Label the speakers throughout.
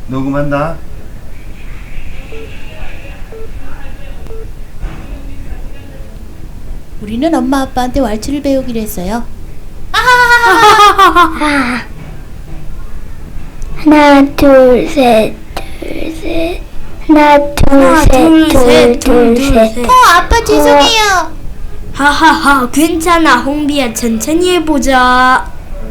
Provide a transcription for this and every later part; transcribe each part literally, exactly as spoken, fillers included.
Speaker 1: 녹음한다.
Speaker 2: 우리는 엄마 아빠한테 왈츠를 배우기로 했어요.
Speaker 3: 하나 둘셋 둘셋 하나 둘셋둘둘셋
Speaker 2: 어, 아빠 죄송해요.
Speaker 4: 하하하, 괜찮아. 홍비야, 천천히 해보자.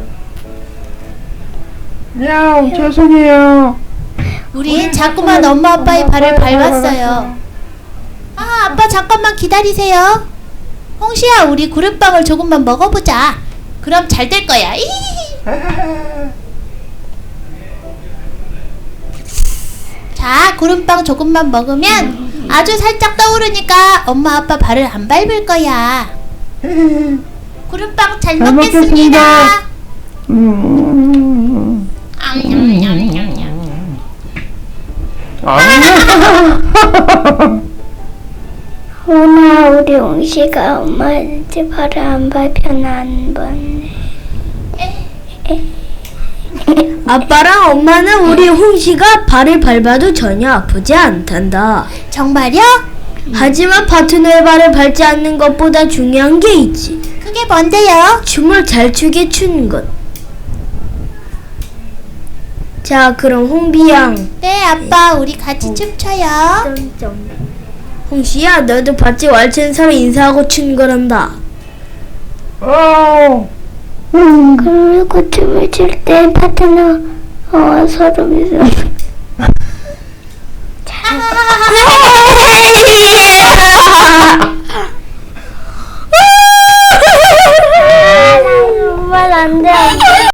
Speaker 1: 야, 죄송해요.
Speaker 2: 우린 자꾸만 엄마 아빠의 발을 밟았어요. 아, 아빠 잠깐만 기다리세요. 홍시야, 우리 구름빵을 조금만 먹어보자. 그럼 잘 될 거야. 이히히히. 자, 구름빵 조금만 먹으면 아주 살짝 떠오르니까 엄마 아빠 발을 안 밟을 거야. 구름빵 잘
Speaker 1: 잘
Speaker 2: 먹겠습니다.
Speaker 1: 먹겠습니다. 음. 아니야.
Speaker 3: 오나 우리 옹시가 엄마한테 발을 안 밟혀나 한 번.
Speaker 4: 아빠랑 엄마는 우리 홍시가 발을 밟아도 전혀 아프지 않단다.
Speaker 2: 정말요?
Speaker 4: 하지만 파트너의 발을 밟지 않는 것보다 중요한 게 있지.
Speaker 2: 그게 뭔데요?
Speaker 4: 춤을 잘 추게 추는 것. 자, 그럼 홍비양.
Speaker 2: 네, 아빠, 우리 같이 춤춰요.
Speaker 4: 홍시야, 너도 봤지? 왈츠는 서로 인사하고 추는 거란다.
Speaker 1: 어.
Speaker 3: 그리고 춤을 출 때 파트너 어, 서로 미소. 정말 안 돼.